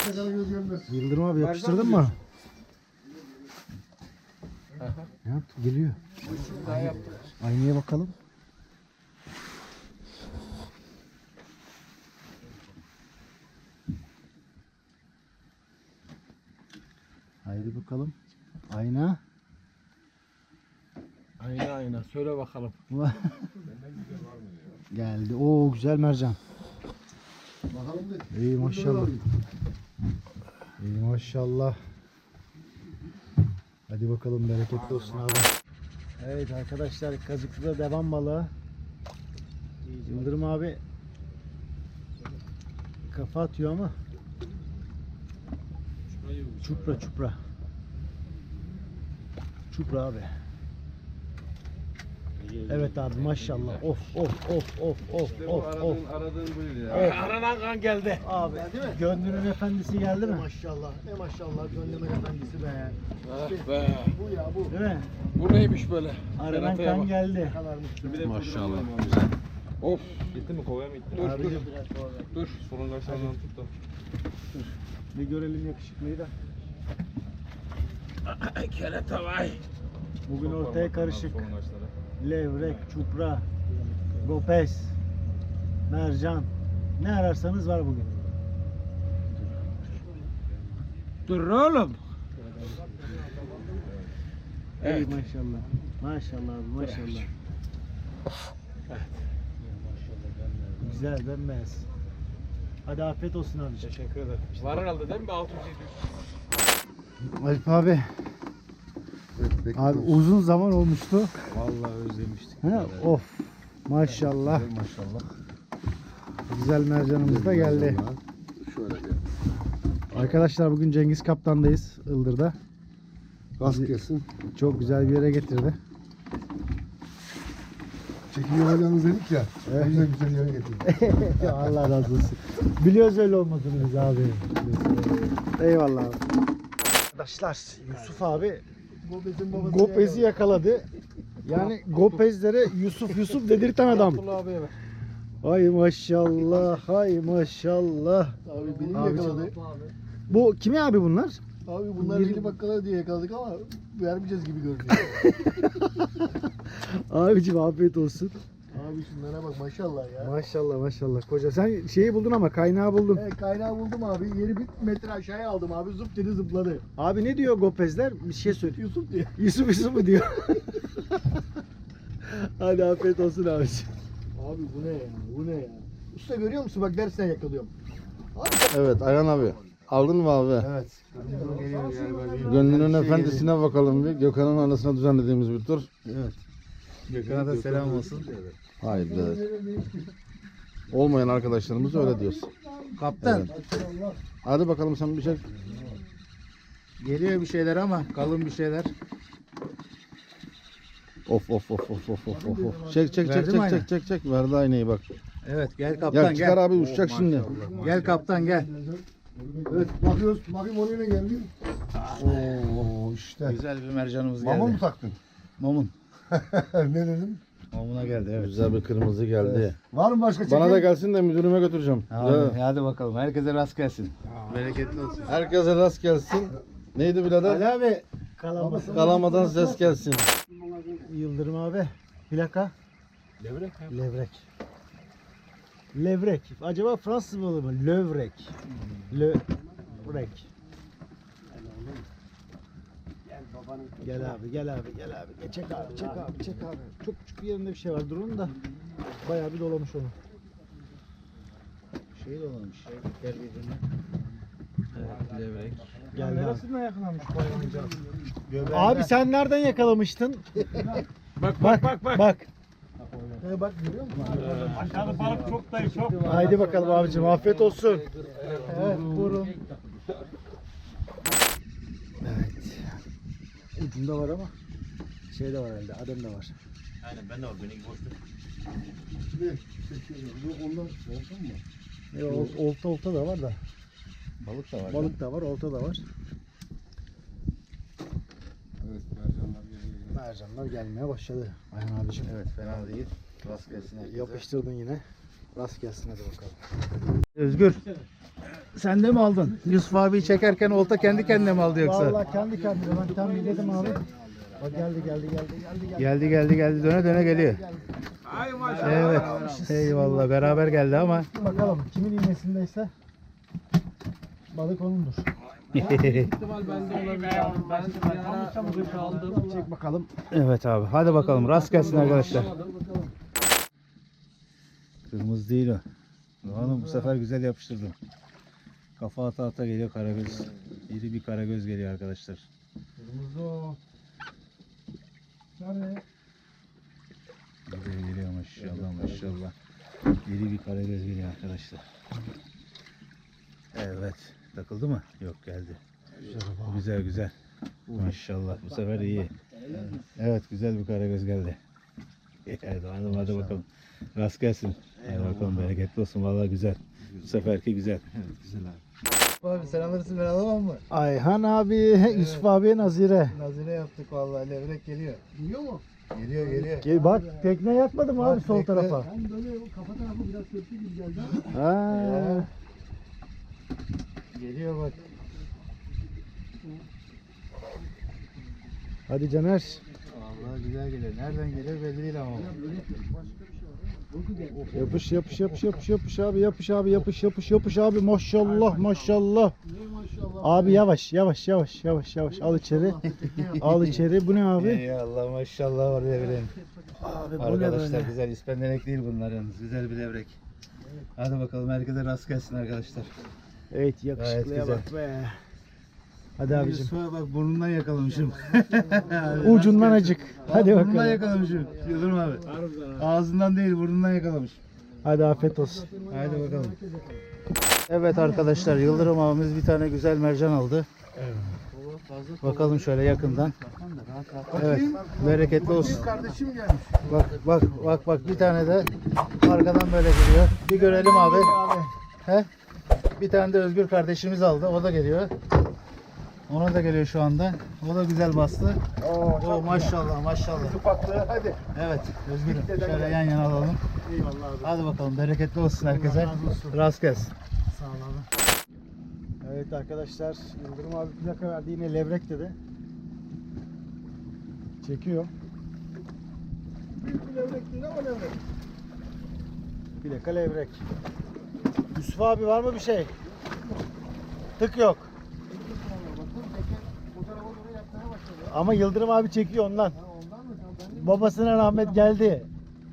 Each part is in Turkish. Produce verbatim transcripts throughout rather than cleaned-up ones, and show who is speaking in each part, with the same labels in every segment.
Speaker 1: Yıldırım abi yapıştırdın mı? Ne yaptı? Geliyor. Aynaya bakalım. Haydi bakalım. Ayna.
Speaker 2: Ayna ayna söyle bakalım.
Speaker 1: Geldi. Oo güzel mercan. İyi maşallah. İyi maşallah. Hadi bakalım bereketli olsun abi. Evet arkadaşlar Kazıklı'da devam balığı. Yıldırım abi kafa atıyor ama. Çupra çupra. Çupra abi. Evet abi maşallah. Of of of of of of of.
Speaker 2: Aradığın buydu ya.
Speaker 1: Evet.
Speaker 2: Aranan kan geldi.
Speaker 1: Abi değil mi? Gönlünün efendisi geldi mi? Maşallah. E maşallah gönlümün efendisi be.
Speaker 2: Ah be.
Speaker 1: Bu ya bu. Değil mi?
Speaker 2: Bu neymiş böyle?
Speaker 1: Aranan
Speaker 2: Berata'ya
Speaker 1: kan
Speaker 2: bak.
Speaker 1: geldi.
Speaker 2: Maşallah. Of. Gitti mi kovaya mı gitti? Dur dur. Dur. Solun kaşlarından tut da.
Speaker 1: Bir görelim yakışıklıyı da.
Speaker 2: Kerata vay.
Speaker 1: Bugün ortaya karışık. Levrek, çupra, gopez, mercan. Ne ararsanız var bugün.
Speaker 2: Dur oğlum.
Speaker 1: Evet. Ey maşallah. Maşallah abi maşallah. Güzel bembeyaz. Hadi afiyet olsun abi.
Speaker 2: Teşekkür ederim. Var herhalde değil mi? altı yüz yedi yüz.
Speaker 1: Alp abi.
Speaker 3: Evet,
Speaker 1: Abi uzun zaman olmuştu.
Speaker 3: vallahi özlemiştik.
Speaker 1: He? Of. Maşallah.
Speaker 3: Güzel maşallah.
Speaker 1: Güzel mercanımız da geldi.
Speaker 3: Şöyle bir.
Speaker 1: Arkadaşlar bugün Cengiz Kaptan'dayız Ildır'da.
Speaker 3: Rast gelsin.
Speaker 1: Çok güzel bir yere getirdi.
Speaker 3: Çekim yapacağınız dedik ya.
Speaker 1: Evet.
Speaker 3: O yüzden güzel yere getirdik.
Speaker 1: Allah razı olsun. Biliyoruz öyle olmadığını biz abi. Eyvallah abi. Arkadaşlar Yusuf abi Gopez'i yakaladı. Yani Gopez'lere Yusuf Yusuf dedirten adam.
Speaker 2: abiye ver.
Speaker 1: Ay maşallah, ay maşallah.
Speaker 3: Abi beni
Speaker 1: Abi,
Speaker 3: yakaladı.
Speaker 1: Bu kimi abi bunlar?
Speaker 3: Abi bunlar
Speaker 1: Bir-
Speaker 3: beni bakkala diye yakaladık ama vermeyeceğiz gibi görünüyor.
Speaker 1: Abicim afiyet olsun.
Speaker 3: Abi şunlara bak maşallah ya.
Speaker 1: Maşallah maşallah koca. Sen şeyi buldun ama kaynağı buldun.
Speaker 3: Evet, kaynağı buldum abi. Yeri bir metre aşağıya aldım abi. Zıp dedi zıpladı.
Speaker 1: Abi ne diyor Gopezler? Bir şey söyle.
Speaker 3: Yusuf diye.
Speaker 1: Yusuf Yusuf mu diyor? Hadi afiyet olsun abicim.
Speaker 3: Abi bu ne ya? Bu ne ya? Usta görüyor musun? Bak dersten yakalıyorum.
Speaker 4: Evet Ayhan abi. Aldın mı abi?
Speaker 3: Evet. Geliyor galiba.
Speaker 4: Gönlünün efendisine bakalım bir. Gökhan'ın anısına düzenlediğimiz bir tur.
Speaker 3: Evet.
Speaker 4: Gökhan'a da selam olsun. Hayır be. Olmayan arkadaşlarımız öyle diyoruz.
Speaker 5: Kaptan
Speaker 4: Evet. Hadi bakalım sen bir şey.
Speaker 5: geliyor bir şeyler ama kalın bir şeyler.
Speaker 4: Of of of of of of of. of. Çek çek çek
Speaker 5: Verdi mi
Speaker 4: çek
Speaker 5: ayna?
Speaker 4: çek çek çek. Verdi aynayı bak.
Speaker 5: Evet gel kaptan
Speaker 4: Gel çıkar
Speaker 5: gel.
Speaker 4: abi uçacak şimdi.
Speaker 5: Gel kaptan gel.
Speaker 3: Evet bakıyoruz. Bakayım oraya ne geldi? Oo işte.
Speaker 5: Güzel bir mercanımız
Speaker 3: Mama mı
Speaker 5: geldi.
Speaker 3: taktın?
Speaker 5: Mamun.
Speaker 3: Ne dedim?
Speaker 5: Mamuna geldi evet.
Speaker 4: Güzel bir kırmızı geldi.
Speaker 3: Var mı başka çekim?
Speaker 4: Bana da gelsin de müdürüme götüreceğim.
Speaker 5: Hadi,
Speaker 4: Güzel.
Speaker 5: hadi bakalım. Herkese rast gelsin. Bereketli olsun.
Speaker 4: Herkese rast gelsin. Neydi birader?
Speaker 1: Ali abi. Kalamasın.
Speaker 4: Kalamadan ses gelsin.
Speaker 1: Yıldırım abi. Plaka.
Speaker 2: Levrek.
Speaker 1: Levrek. Levrek. Acaba Fransız balığı mı? Lövrek. Lövrek. Gel abi, gel abi, gel abi. Çek abi, çek abi, çek abi. Çok küçük bir yerinde bir şey var. Durun da bayağı bir dolamış onu.
Speaker 5: Şey de olmuş. Şey, gel birbirine. Evet levrek.
Speaker 1: Geldi abi.
Speaker 2: Neresinden yakalamış koyunca?
Speaker 1: Abi sen nereden yakalamıştın?
Speaker 2: Bak bak bak bak.
Speaker 1: Bak.
Speaker 3: He bak görüyor musun?
Speaker 2: Aşağıda balık çok dayı çok.
Speaker 1: Haydi bakalım abicim. Afiyet olsun. Evet, buyurun. Evet. Ucunda var ama şey de var herhalde. Adem de var.
Speaker 3: Ne? Çekiyorum. Yok ondan olsun mu?
Speaker 1: E, ol- olta olta da var da.
Speaker 5: Balık da var.
Speaker 1: Balık da var, olta da var.
Speaker 3: Evet mercanlar geliyor.
Speaker 1: Mercanlar gelmeye başladı. Ayhan abicim.
Speaker 5: Evet fena değil. Rast gelsin herkese.
Speaker 1: Yapıştırdın yine. Rast gelsin hadi bakalım. Özgür. Sen de mi aldın? Yusuf abi çekerken olta kendi kendine mi aldı yoksa? Vallahi kendi kendine. Ben tam dedim abi. Bak geldi geldi geldi geldi geldi. Geldi geldi geldi döne döne geliyor.
Speaker 2: Ay maşallah.
Speaker 1: Evet. Eyvallah beraber geldi ama. Bakalım kimin iğnesindeyse balık onundur.
Speaker 2: İhtimal bende olabilir. Ben bir ara aldım.
Speaker 1: Çek bakalım. Evet abi. Hadi bakalım. Rast gelsin arkadaşlar. Kırmızı değil o. Hanım bu sefer güzel yapıştırdım. Kafa ata ata geliyor karagöz. İri bir karagöz geliyor arkadaşlar.
Speaker 3: Kırmızı o. Nerede?
Speaker 1: Geliyor geliyor maşallah maşallah. İri bir karagöz geliyor arkadaşlar. Evet. Takıldı mı? Yok geldi. Güzel güzel. Maşallah bu sefer iyi. Evet güzel bir karagöz geldi. Evet hanım hadi bakalım. Rast gelsin. Hadi bakalım bereketli olsun vallahi güzel. Bu seferki güzel.
Speaker 3: Güzel abi. Abi sen alırsın ben alamam mı?
Speaker 1: Ayhan abi, Yusuf abi Nazire.
Speaker 3: Nazire yaptık vallahi levrek geliyor. Geliyor mu? Geliyor geliyor.
Speaker 1: Gel bak tekne yatmadı mı abi sol
Speaker 3: bekle.
Speaker 1: tarafa?
Speaker 3: Ben böyle kafa tarafı biraz sörtü gibi geldi ama.
Speaker 1: Ha.
Speaker 3: Geliyor bak.
Speaker 1: Hadi Caner.
Speaker 3: Vallahi güzel geliyor. Nereden geliyor belli değil ama.
Speaker 1: Yapış yapış yapış yapış yapış abi yapış abi yapış yapış yapış abi maşallah maşallah. Abi yavaş yavaş yavaş yavaş yavaş al içeri. Al içeri. Bu ne abi?
Speaker 3: Eyvallah maşallah var levreğin.
Speaker 1: Abi bu ne
Speaker 3: Arkadaşlar
Speaker 1: böyle?
Speaker 3: güzel ispenderek değil bunlar yalnız. Güzel bir levrek. Hadi bakalım herkese rast gelsin arkadaşlar.
Speaker 1: Evet yakışıklıya
Speaker 3: Gayet
Speaker 1: bak be. Hadi abicim.
Speaker 3: Yusuf'a bak burnundan yakalamışım.
Speaker 1: Ucundan acık. Hadi
Speaker 3: Burnundan
Speaker 1: bakalım.
Speaker 3: yakalamışım. Yıldırım abi. Ağzından değil burnundan yakalamış.
Speaker 1: Hadi afiyet olsun.
Speaker 3: Haydi bakalım.
Speaker 1: Evet arkadaşlar Yıldırım abimiz bir tane güzel mercan aldı. Bakalım şöyle yakından. Evet bereketli olsun.
Speaker 3: Kardeşim gelmiş.
Speaker 1: Bak bak bak bak bir tane de arkadan böyle geliyor. Bir görelim abi. He? Bir tane de Özgür kardeşimiz aldı. O da geliyor. Ona da geliyor şu anda. O da güzel bastı. Oo, maşallah maşallah.
Speaker 3: Hadi.
Speaker 1: Evet Özgür'üm şöyle yan yana alalım.
Speaker 3: Eyvallah abi.
Speaker 1: Hadi bakalım bereketli olsun herkese.
Speaker 3: razı olsun.
Speaker 1: Rast gelsin.
Speaker 3: Sağ ol abi.
Speaker 1: Evet arkadaşlar Yıldırım abi plaka verdi yine levrek dedi. Çekiyor.
Speaker 3: Büyük bir levrek değil ama levrek.
Speaker 1: Plaka levrek. Yusuf abi var mı bir şey? Tık yok. Ama Yıldırım abi çekiyor ondan. Babasına rahmet geldi.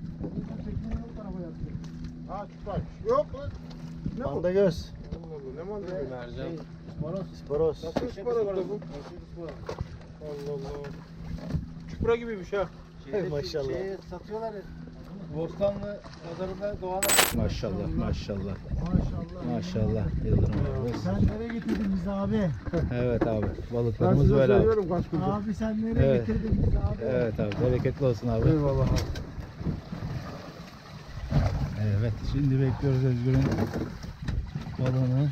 Speaker 3: Ha çıkar. Yok lan.
Speaker 1: Panda göz.
Speaker 3: Ne mantığı?
Speaker 2: Mercan.
Speaker 1: Sporos.
Speaker 3: Nasıl ıspanak da bu? Allah Allah. Çupra gibiymiş ha.
Speaker 1: Maşallah.
Speaker 3: satıyorlar ya. Bostanlı pazarında doğal.
Speaker 1: Maşallah maşallah.
Speaker 3: Maşallah.
Speaker 1: Maşallah Yıldırım abi.
Speaker 3: Sen nereye getirdin bizi abi?
Speaker 1: Evet abi
Speaker 3: Ben
Speaker 1: balıklarımız
Speaker 3: size
Speaker 1: böyle abi.
Speaker 3: söylüyorum kaç gündür. Abi sen nereye
Speaker 1: Evet.
Speaker 3: getirdin bizi abi?
Speaker 1: Evet abi bereketli olsun abi.
Speaker 3: Eyvallah abi.
Speaker 1: Evet şimdi bekliyoruz Özgür'ün balığını.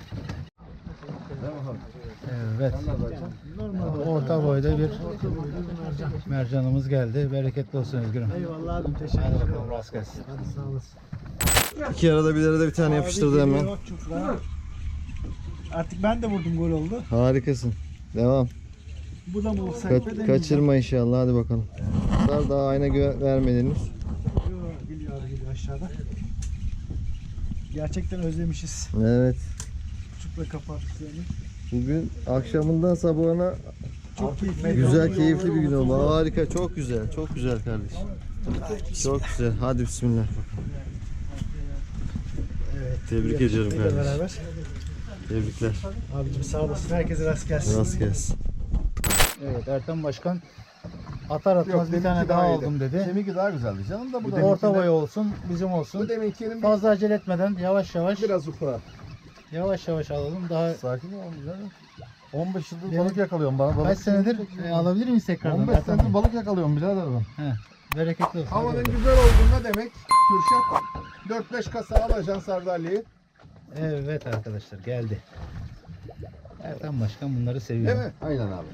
Speaker 1: Evet. Orta boyda bir mercanımız geldi. Bereketli olsun Özgür'üm.
Speaker 3: Eyvallah abi teşekkür
Speaker 1: Hadi
Speaker 3: ederim.
Speaker 1: bakalım rast gelsin.
Speaker 3: Hadi sağ olasın.
Speaker 6: İki arada bir arada bir tane yapıştırdı hemen.
Speaker 3: Artık ben de vurdum gol oldu.
Speaker 6: Harikasın. Devam.
Speaker 3: Bu da mı olsak
Speaker 6: Ka- kaçırma inşallah hadi bakalım. Daha, daha ayna gö- vermediniz.
Speaker 3: Geliyor abi geliyor aşağıda. Gerçekten özlemişiz.
Speaker 6: Evet.
Speaker 3: Çupra kapattık seni.
Speaker 6: Bugün akşamından sabahına
Speaker 3: Çok keyifli.
Speaker 6: güzel keyifli bir gün oldu. Harika çok güzel. Çok güzel kardeşim. Çok güzel. Hadi bismillah. Tebrik ediyorum
Speaker 3: Hep
Speaker 6: kardeşim.
Speaker 3: beraber.
Speaker 6: Tebrikler.
Speaker 3: Abicim sağ olasın. Herkese rast gelsin.
Speaker 6: Rast gelsin.
Speaker 1: Evet Ertem Başkan atar atmaz
Speaker 3: Yok,
Speaker 1: bir
Speaker 3: deminki
Speaker 1: tane
Speaker 3: daha
Speaker 1: daha
Speaker 3: iyiydi.
Speaker 1: aldım dedi.
Speaker 3: Deminki daha güzeldi canım da bu
Speaker 1: Bu orta boy olsun bizim olsun.
Speaker 3: Bu deminkinin bir-
Speaker 1: Fazla acele etmeden yavaş yavaş
Speaker 3: biraz ufak.
Speaker 1: yavaş yavaş alalım. Daha
Speaker 6: Sakin ol canım. on beş yıldır
Speaker 1: Benim-
Speaker 6: balık yakalıyorum bana. Balık
Speaker 1: kaç senedir e, alabilir miyiz tekrardan?
Speaker 6: on beş
Speaker 1: Ertem
Speaker 6: senedir
Speaker 1: Bey?
Speaker 6: balık yakalıyorum birader ben.
Speaker 1: He, bereketli olsun.
Speaker 3: Havanın
Speaker 1: Hadi bakalım.
Speaker 3: güzel olduğunda demek Kürşat dört beş kasa alacaksın Sardalya'yı.
Speaker 1: Evet arkadaşlar geldi. Ertem Başkan bunları seviyor.
Speaker 3: Değil mi?
Speaker 6: Aynen abi.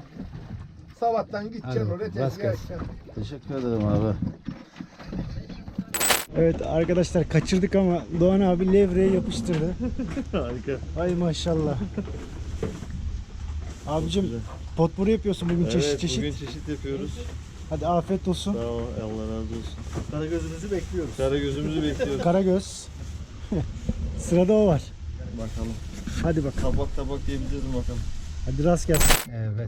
Speaker 3: Sabahtan gideceksin
Speaker 1: Hadi
Speaker 3: oraya
Speaker 1: bakalım, rast
Speaker 3: tezgah
Speaker 1: gelsin.
Speaker 3: açacaksın.
Speaker 6: Teşekkür ederim abi.
Speaker 1: Evet arkadaşlar kaçırdık ama Doğan abi levreye yapıştırdı.
Speaker 6: Harika.
Speaker 1: Ay maşallah. Abicim potpourri yapıyorsun bugün çeşit
Speaker 6: Evet,
Speaker 1: çeşit.
Speaker 6: bugün çeşit yapıyoruz.
Speaker 1: Hadi afiyet olsun.
Speaker 6: Sağ ol, Allah razı olsun.
Speaker 3: Karagözümüzü bekliyoruz.
Speaker 6: Karagözümüzü bekliyoruz.
Speaker 1: Karagöz. Sırada o var.
Speaker 6: Bakalım.
Speaker 1: Hadi bakalım.
Speaker 6: Tabak tabak diyebiliriz mi bakalım.
Speaker 1: Hadi rast gelsin.
Speaker 5: Evet.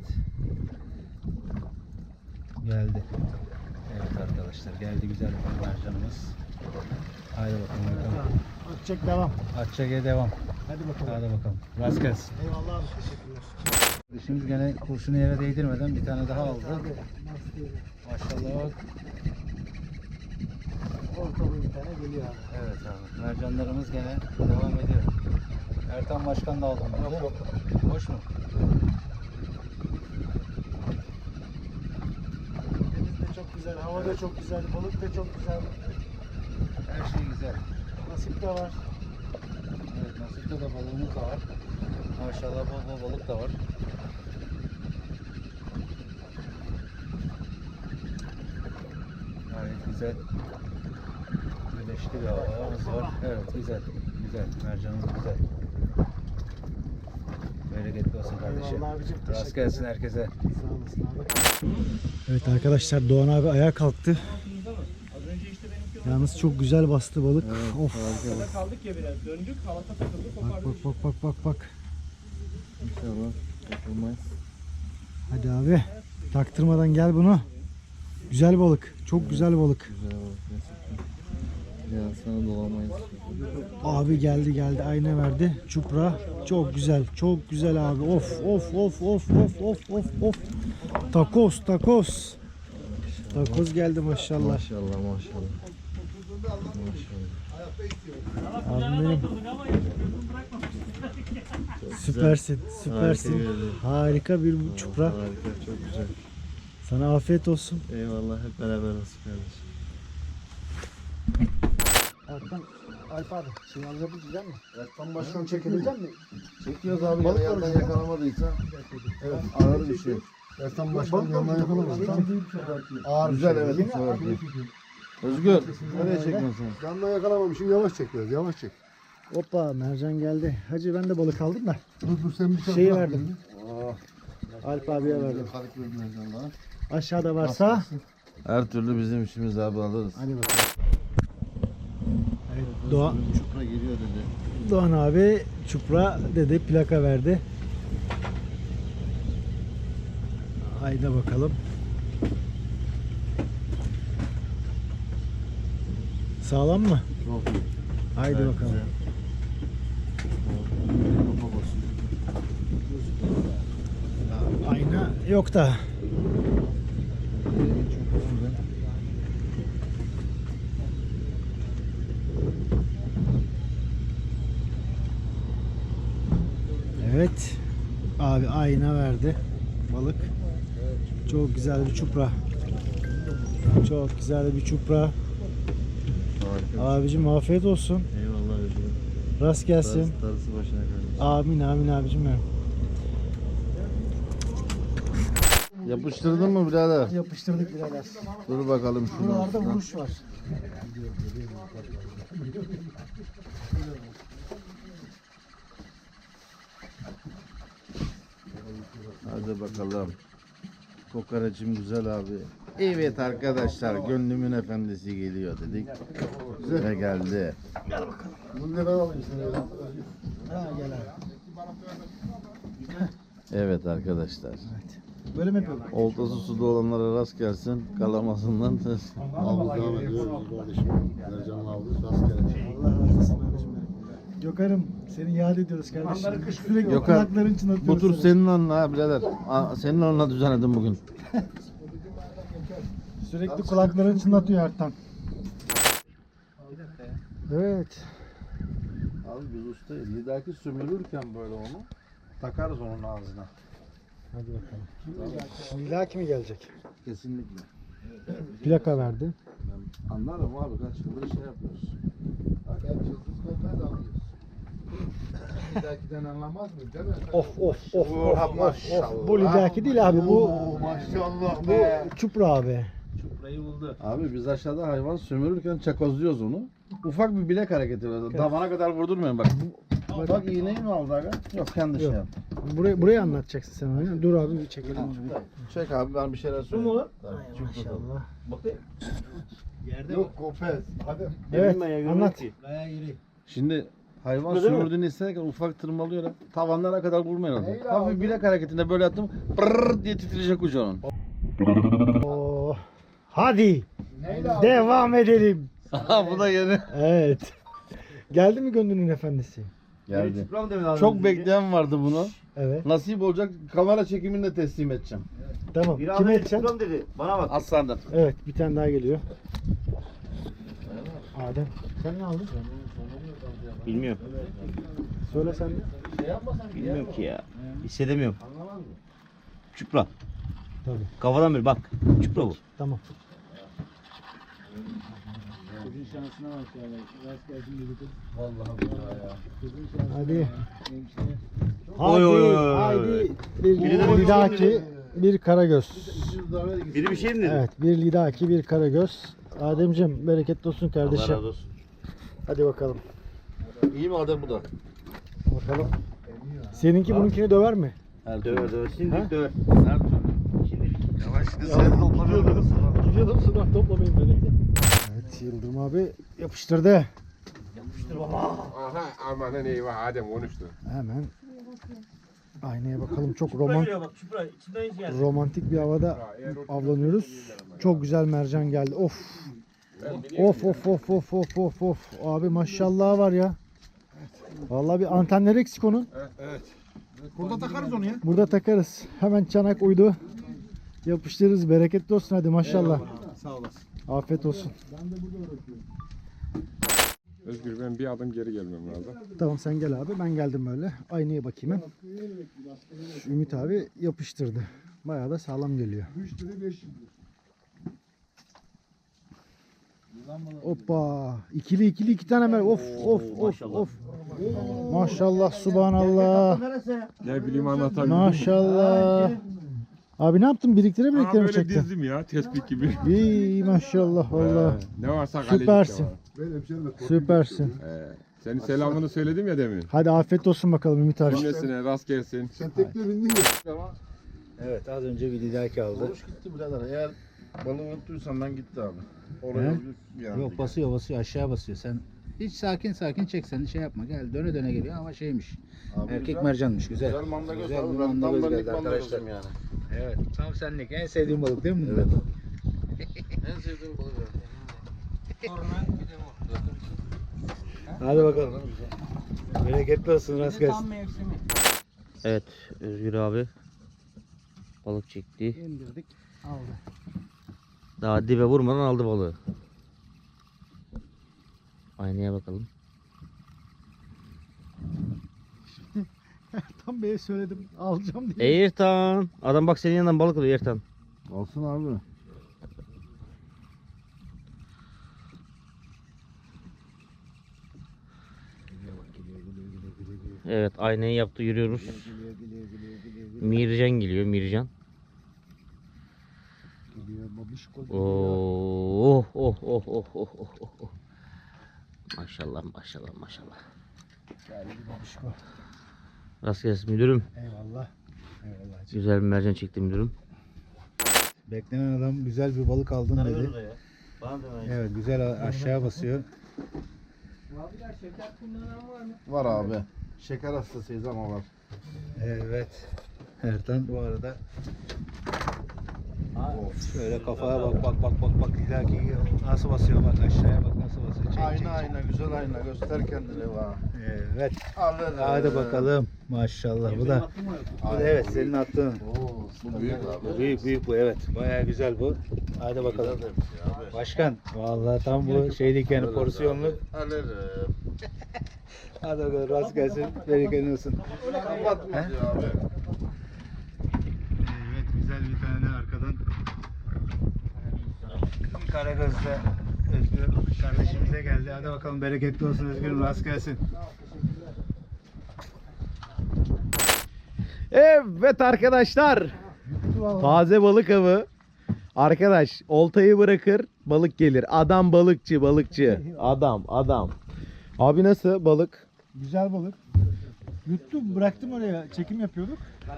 Speaker 5: Geldi. Evet arkadaşlar geldi güzel bir mercanımız. Haydi bakalım bakalım.
Speaker 1: Çek devam.
Speaker 5: Atçak'a devam.
Speaker 1: Hadi bakalım.
Speaker 5: Hadi bakalım. Rast gelsin.
Speaker 1: Eyvallah abi teşekkürler.
Speaker 5: Şimdi gene kurşunu yere değdirmeden bir tane daha aldı. Maşallah.
Speaker 1: Orta boy bir tane geliyor abi.
Speaker 5: Evet abi. Mercanlarımız gene devam ediyor. Ertan Başkan da aldı. Yok yok. Boş mu?
Speaker 1: Deniz de çok güzel, hava da çok güzel, balık da çok güzel.
Speaker 5: Her şey güzel.
Speaker 1: Nasip de var.
Speaker 5: Evet nasipte de balığımız da var. Maşallah bol bol balık da var. Gayet güzel. Güneşli bir havamız var. Evet güzel. Güzel. Mercanımız güzel. Bereketli olsun kardeşim.
Speaker 1: Eyvallah abicim,
Speaker 5: Rast
Speaker 1: teşekkür
Speaker 5: gelsin herkese.
Speaker 1: Sağ olasın abi. Evet arkadaşlar Doğan abi ayağa kalktı. Yalnız çok güzel bastı balık. Of.
Speaker 2: Kaldık ya biraz. Döndük. Halata takıldık.
Speaker 1: Bak bak bak bak bak bak.
Speaker 6: İnşallah yapılmaz.
Speaker 1: Hadi abi. Taktırmadan gel bunu. Güzel balık. Çok güzel balık.
Speaker 6: Güzel balık gerçekten. Ya sana dolamayız.
Speaker 1: Abi geldi geldi ayna verdi. Çupra. Çok güzel. Çok güzel abi. Of of of of of of of of. Takos takos. Takoz geldi maşallah.
Speaker 6: Maşallah maşallah. Maşallah.
Speaker 1: Abim benim. Süpersin. Süpersin.
Speaker 6: Harika geldi.
Speaker 1: Harika bir çupra.
Speaker 6: Harika, çok güzel.
Speaker 1: Sana afiyet olsun.
Speaker 6: Eyvallah, hep beraber olsun kardeşim.
Speaker 1: Erkan, Alp abi, şey alabilecek mi?
Speaker 3: Ertan Başkan çekilecek mi?
Speaker 4: Çekiyoruz abi.
Speaker 3: Balık
Speaker 4: Yandan
Speaker 3: var.
Speaker 4: yakalamadıysa
Speaker 3: Evet.
Speaker 4: ağır bir şey.
Speaker 3: Ertan Başkan yanına yakalamaz. Ağır bir
Speaker 4: Güzel
Speaker 3: şey.
Speaker 4: evet. Ağır bir şey. Özgür, nereye çekiyorsun sen?
Speaker 3: Yanına yakalamamışım, yavaş çek biraz, yavaş çek.
Speaker 1: Hoppa, mercan geldi. Hacı ben de balık aldım da.
Speaker 3: Dur dur sen bir tane
Speaker 1: Şeyi
Speaker 3: bırak
Speaker 1: verdim.
Speaker 3: birini.
Speaker 1: Alp abiye verdim.
Speaker 3: Kalıp verdim daha.
Speaker 1: Aşağıda varsa.
Speaker 4: Her türlü bizim işimiz abi alırız.
Speaker 1: Hadi bakalım. Evet, Doğan,
Speaker 6: Çupra geliyor dedi.
Speaker 1: Doğan abi çupra dedi, plaka verdi. Haydi bakalım. Sağlam mı?
Speaker 6: Çok iyi.
Speaker 1: Haydi
Speaker 6: Evet,
Speaker 1: bakalım.
Speaker 6: güzel.
Speaker 1: Ayna yok da. Evet. Abi ayna verdi. Balık. Çok güzel bir çupra. Çok güzel bir çupra.
Speaker 6: Harika.
Speaker 1: Abicim afiyet olsun.
Speaker 6: Eyvallah özgür.
Speaker 1: Rast gelsin.
Speaker 6: Darısı, darısı başına kardeşim.
Speaker 1: Amin amin abicim benim.
Speaker 4: Yapıştırdın mı birader?
Speaker 1: Yapıştırdık birader.
Speaker 4: Dur bakalım şunu.
Speaker 1: Buralarda vuruş var.
Speaker 4: Hadi bakalım. Kokoreçim güzel abi. Evet arkadaşlar, gönlümün efendisi geliyor dedik. Ve geldi.
Speaker 3: Bunu da ben alayım sana.
Speaker 1: Ha gel abi.
Speaker 4: Evet arkadaşlar.
Speaker 1: Böyle mi yapalım?
Speaker 4: Oltası suda olanlara rast gelsin. Kalamasından.
Speaker 3: Aldık devam ediyoruz kardeşim. Mercan'la aldık, rastgele.
Speaker 1: Allah razı olsun abicim benim. Gökhan'ım seni yad ediyoruz kardeşim. Sürekli
Speaker 4: Gökhan,
Speaker 1: kulakların çınlatıyoruz.
Speaker 4: Bu tur
Speaker 1: seni.
Speaker 4: senin onunla ha birader. Aa, senin onunla düzenledim bugün.
Speaker 1: Sürekli kulakların çınlatıyor Ertan. Evet.
Speaker 4: Abi biz ustayız. Bir dahaki sömürürken böyle onu takarız onun ağzına.
Speaker 1: Hadi bakalım. Bir daha kimi gelecek?
Speaker 4: Kesinlikle.
Speaker 1: Plaka verdi.
Speaker 4: Ben anlarım abi, kaç yıldır şey yapıyoruz.
Speaker 3: Bak hep yıldız kolpaya da alıyoruz. Bir dahakiden anlamaz mı? Değil mi?
Speaker 1: Of of of of of,
Speaker 4: maşallah.
Speaker 1: of. Bu lidaki değil abi bu
Speaker 3: Oo, maşallah
Speaker 1: bu
Speaker 3: be.
Speaker 1: çupra abi.
Speaker 5: Burayı buldu.
Speaker 4: Abi biz aşağıda hayvan sömürürken çakozluyoruz onu. Ufak bir bilek hareketi var. Damara kadar vurdurmuyorum bak. Bak, bak iğneyi mi aldı aga? Yok kendi şey
Speaker 1: Yok.
Speaker 4: yaptı.
Speaker 1: Burayı, burayı anlatacaksın sen oyunu. Dur abi bir çekelim.
Speaker 4: Çek abi ben bir şeyler söyleyeyim.
Speaker 5: mu?
Speaker 4: Tabii,
Speaker 1: Ay,
Speaker 4: çok güzel.
Speaker 1: maşallah.
Speaker 5: Bakayım. Yerde
Speaker 3: Yok Gopez. Hadi.
Speaker 1: Evet anlat.
Speaker 5: Bayağı iri.
Speaker 4: Şimdi hayvan sömürdüğünü isterken ufak tırmalıyor. Tavanlara kadar vurmayalım.
Speaker 3: Neyle
Speaker 4: Hafif
Speaker 3: aldın?
Speaker 4: bilek hareketinde böyle attım. Brrrr diye titreyecek ucu onun.
Speaker 1: Oo. Hadi
Speaker 3: Neyle aldın?
Speaker 1: devam edelim.
Speaker 4: Aha bu da yeni.
Speaker 1: Evet. Geldi mi gönlünün efendisi?
Speaker 4: Geldi. Çok bekleyen vardı bunu.
Speaker 1: Evet.
Speaker 4: Nasip olacak kamera çekiminde teslim edeceğim.
Speaker 1: Tamam. Kime edeceksin?
Speaker 5: dedi. Bana bak.
Speaker 4: Aslandan.
Speaker 1: Evet bir tane daha geliyor. Adem sen ne aldın?
Speaker 5: Bilmiyorum.
Speaker 1: Söyle sen de.
Speaker 5: Bilmiyorum ki ya. Hissedemiyorum. Çupra.
Speaker 1: Tabii.
Speaker 5: Kafadan bir bak. Çupra bu.
Speaker 1: Tamam. Hadi.
Speaker 5: Oy, oy, oy, oy.
Speaker 1: Haydi. Bir
Speaker 5: Biri de
Speaker 1: lidaki, bir karagöz.
Speaker 5: Biri bir şey mi dedi?
Speaker 1: Evet, bir lidaki, bir karagöz. Ademciğim bereketli olsun kardeşim.
Speaker 5: olsun.
Speaker 1: Hadi bakalım.
Speaker 4: İyi mi Adem bu da?
Speaker 1: Bakalım. Seninki bununkini döver mi?
Speaker 4: Her
Speaker 5: Döver
Speaker 4: türlü.
Speaker 5: döver. Şimdi döver.
Speaker 4: Her türlü. Yavaş şimdi seni toplamıyorum.
Speaker 1: Gidiyordum sudan toplamayın beni. Evet Yıldırım abi yapıştırdı.
Speaker 2: Aha amanın eyvah Adem konuştu.
Speaker 1: Hemen aynaya bakalım. Çok roman
Speaker 5: bak çupra. İçinden hiç geldi.
Speaker 1: romantik bir havada avlanıyoruz. Çok güzel mercan geldi. Of. Of of of of of of of. Abi maşallah var ya. Vallahi bir antenleri eksik onun.
Speaker 3: Burada takarız onu ya.
Speaker 1: Burada takarız. Hemen çanak uydu. Yapıştırırız. Bereketli olsun hadi maşallah.
Speaker 3: Sağ olasın.
Speaker 1: Afiyet olsun.
Speaker 2: Özgür ben bir adım geri gelmem lazım.
Speaker 1: Tamam sen gel abi. Ben geldim böyle. Aynaya bakayım hem. Şu Ümit abi yapıştırdı. Bayağı da sağlam geliyor.
Speaker 3: üç lira beş lira.
Speaker 1: Hoppa. İkili ikili iki tane mer. Of of of of. Maşallah subhanallah.
Speaker 2: Ne bileyim anlatabilirim.
Speaker 1: Maşallah. Abi ne yaptın? Biriktire
Speaker 2: Aa,
Speaker 1: biriktire mi
Speaker 2: böyle
Speaker 1: çektin?
Speaker 2: dizdim ya tespih gibi.
Speaker 1: İyi maşallah valla.
Speaker 2: Ne varsa kaleci
Speaker 1: Süpersin.
Speaker 2: var.
Speaker 3: Ben hemşerimle korktum.
Speaker 1: Süpersin.
Speaker 2: Ee, senin selamını söyledim ya demin.
Speaker 1: Hadi afiyet olsun bakalım Ümit abi.
Speaker 2: Cümlesine rast gelsin.
Speaker 3: Sen tekne bindin ya.
Speaker 5: Evet az önce bir lidaki aldı.
Speaker 4: Konuş gitti birader. Eğer balığı unuttuysan ben gitti abi. Oraya
Speaker 1: He?
Speaker 4: bir yani.
Speaker 5: Yok basıyor basıyor aşağı basıyor. Sen hiç sakin sakin çek sen şey yapma. Gel döne döne geliyor ama şeymiş.
Speaker 4: Abi
Speaker 5: Erkek
Speaker 4: güzel.
Speaker 5: mercanmış güzel.
Speaker 4: Güzel manda göz
Speaker 5: Güzel
Speaker 4: abi.
Speaker 5: bir
Speaker 4: Ben
Speaker 5: manda
Speaker 4: tam
Speaker 5: göz
Speaker 4: benlik
Speaker 5: geldi
Speaker 4: manda
Speaker 5: arkadaşlar.
Speaker 4: gözüm yani.
Speaker 5: Evet tam senlik en sevdiğim balık değil mi?
Speaker 4: Evet.
Speaker 5: bunlar?
Speaker 4: En sevdiğim balık.
Speaker 5: Hadi bakalım. Bereketli olsun rast gelsin. Evet Özgür abi balık çekti.
Speaker 1: İndirdik. Aldı.
Speaker 5: Daha dibe vurmadan aldı balığı. Aynaya bakalım.
Speaker 1: Tam Bey'e söyledim. Alacağım diye.
Speaker 5: Ertan. Adam bak senin yanından balık alıyor Ertan.
Speaker 4: Olsun abi.
Speaker 5: Evet aynayı yaptı yürüyoruz. Mircan geliyor Mircan.
Speaker 1: Geliyor babişko.
Speaker 5: Oh oh oh oh oh oh oh oh. Maşallah maşallah maşallah.
Speaker 1: Geldi babişko.
Speaker 5: Rast gelsin müdürüm.
Speaker 1: Eyvallah. Eyvallah.
Speaker 5: Güzel bir mercan çekti müdürüm.
Speaker 1: Beklenen adam güzel bir balık aldın dedi. Evet güzel aşağı basıyor.
Speaker 4: Var abi. Şeker hastasıyız ama var.
Speaker 1: Evet. Ertan bu arada. Şöyle kafaya bak bak bak bak bak ileriki nasıl basıyor bak aşağıya bak nasıl basıyor. Çek,
Speaker 4: Ayna
Speaker 1: çek,
Speaker 4: ayna güzel ayna göster kendini va.
Speaker 1: çek. Evet.
Speaker 4: Alır.
Speaker 1: Hadi bakalım. Maşallah bu da. Bu da evet senin attığın.
Speaker 4: Oo, bu büyük abi.
Speaker 1: Bu büyük büyük bu evet. Bayağı güzel bu. Hadi bakalım.
Speaker 4: Güzel demiş ya abi.
Speaker 1: Başkan vallahi tam bu şeylik yani porsiyonlu.
Speaker 4: Alırım.
Speaker 1: Hadi bakalım rast gelsin. Bereketli olsun.
Speaker 4: Kapatmaz ya abi.
Speaker 1: Evet güzel bir tane de arkadan. Karagöz'de Özgür kardeşimize geldi. Hadi bakalım bereketli olsun Özgür'ün rast gelsin. Evet arkadaşlar. Taze balık avı.
Speaker 7: Arkadaş oltayı bırakır balık gelir. Adam balıkçı balıkçı. Adam adam. Abi nasıl balık?
Speaker 1: Güzel balık. Yuttum bıraktım oraya çekim yapıyorduk.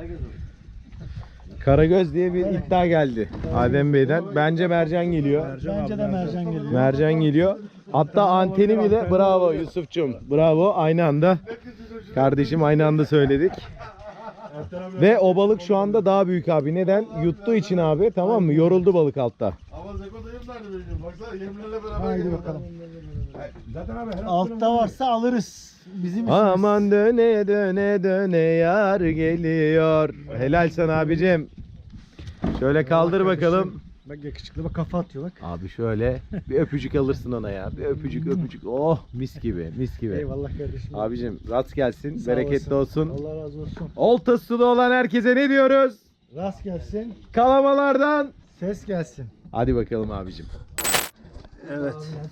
Speaker 7: Karagöz diye bir iddia geldi Adem Bey'den. Bence mercan geliyor.
Speaker 1: Bence de mercan geliyor.
Speaker 7: Mercan geliyor. Hatta anteni bile bravo Yusuf'cum. Bravo aynı anda. Kardeşim aynı anda söyledik. Ve o balık şu anda daha büyük abi. Neden? Yuttuğu için abi, tamam mı? Yoruldu balık altta.
Speaker 3: Ama Zeko dayım nerede benim? Baksana yemlerle beraber
Speaker 1: Haydi
Speaker 3: geliyor.
Speaker 1: bakalım.
Speaker 3: Zaten abi her
Speaker 1: Altta varsa alırız. Bizim işimiz.
Speaker 7: Aman döne döne döne yar geliyor. Helal sana abicim. Şöyle kaldır bakalım.
Speaker 1: Bak yakışıklı bak kafa atıyor bak.
Speaker 7: Abi şöyle bir öpücük alırsın ona ya. Bir öpücük öpücük. Oh mis gibi mis gibi.
Speaker 1: Eyvallah kardeşim.
Speaker 7: Abicim rast gelsin.
Speaker 1: Sağ
Speaker 7: Bereketli
Speaker 1: olasın.
Speaker 7: olsun.
Speaker 1: Allah razı olsun.
Speaker 7: Oltası da olan herkese ne diyoruz?
Speaker 1: Rast gelsin.
Speaker 7: Kalamalardan.
Speaker 1: Ses gelsin.
Speaker 7: Hadi bakalım abicim.
Speaker 8: Evet.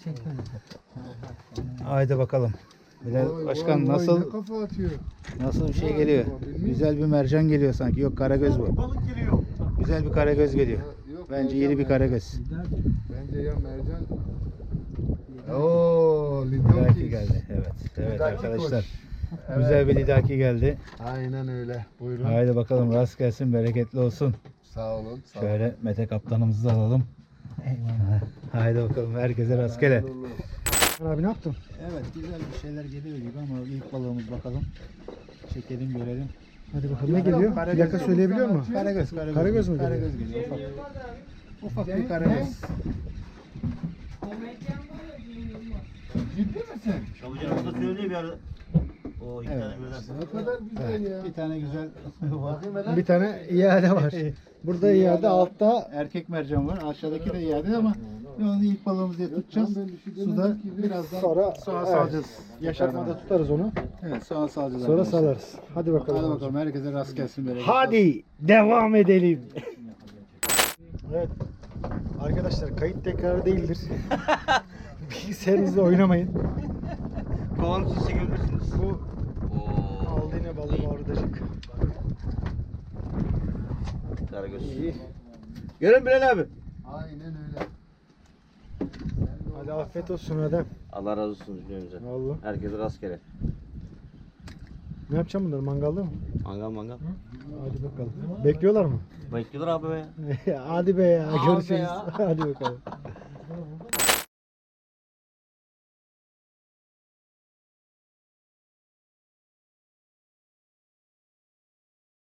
Speaker 8: Haydi bakalım. Bilal
Speaker 3: Vay,
Speaker 8: Başkan
Speaker 3: vay, vay,
Speaker 8: nasıl
Speaker 3: ne kafa atıyor.
Speaker 8: nasıl bir şey geliyor? Güzel bir mercan geliyor sanki. Yok karagöz bu.
Speaker 1: Balık geliyor.
Speaker 8: Güzel bir karagöz geliyor.
Speaker 3: Yok,
Speaker 8: Bence
Speaker 3: mercan,
Speaker 8: iri bir karagöz.
Speaker 3: Bence ya mercan. Oo,
Speaker 8: Lidaki
Speaker 3: Lidaki
Speaker 8: geldi. Evet. Evet
Speaker 3: Lidaki
Speaker 8: arkadaşlar.
Speaker 3: koş.
Speaker 8: Güzel bir lidaki geldi.
Speaker 3: Aynen öyle. Buyurun.
Speaker 8: Haydi bakalım rast gelsin, bereketli olsun.
Speaker 3: Sağ olun. Sağ olun.
Speaker 8: Şöyle Mete kaptanımızı da alalım. Haydi bakalım herkese rastgele.
Speaker 1: Abi ne yaptın?
Speaker 8: Evet güzel bir şeyler geliyor gibi ama ilk balığımız bakalım. Çekelim görelim.
Speaker 1: Hadi bakalım ne geliyor? Plaka söyleyebiliyor musun?
Speaker 8: Karagöz, karagöz.
Speaker 1: Karagöz mü geliyor?
Speaker 8: Karagöz geliyor. Ufak, ufak bir karagöz.
Speaker 3: Ciddi misin?
Speaker 5: Çabucağımız da söyledi bir arada. O iki
Speaker 8: Evet.
Speaker 5: tane birden.
Speaker 3: Ne kadar güzel ya.
Speaker 8: Bir tane güzel
Speaker 3: Bakayım hele.
Speaker 1: Bir tane iade var. Burada iade altta
Speaker 8: erkek mercan var. Aşağıdaki de iade ama onu ilk balığımız diye tutacağız.
Speaker 3: Ben bir şey
Speaker 8: Suda
Speaker 3: demedim ki.
Speaker 8: birazdan
Speaker 1: sonra,
Speaker 8: sonra
Speaker 1: evet,
Speaker 8: salacağız.
Speaker 1: yaşatmada tutarız onu.
Speaker 8: Evet sonra salacağız.
Speaker 1: Sonra
Speaker 8: arkadaşlar.
Speaker 1: salarız. Hadi bakalım.
Speaker 8: Hadi bakalım herkese rast gelsin. Böyle.
Speaker 1: Hadi devam edelim. Evet. Arkadaşlar kayıt tekrar değildir. Bilgisayarınızla oynamayın.
Speaker 5: Kovanızı çekebilirsiniz.
Speaker 1: Bu aldı yine balığı orudacık.
Speaker 5: Karagöz.
Speaker 1: İyi.
Speaker 5: Görün Bilal abi.
Speaker 3: Aynen öyle.
Speaker 1: Hadi afiyet olsun Adem.
Speaker 5: Allah razı olsun cümlemize.
Speaker 1: Vallahi.
Speaker 5: Herkese rastgele.
Speaker 1: Ne yapacağım bunları mangalda mı?
Speaker 5: Mangal mangal.
Speaker 1: Hadi bakalım. Bekliyorlar mı?
Speaker 5: Bekliyorlar abi be.
Speaker 1: Hadi be ya
Speaker 5: Abi
Speaker 1: görüşürüz.
Speaker 5: ya.
Speaker 1: Hadi bakalım.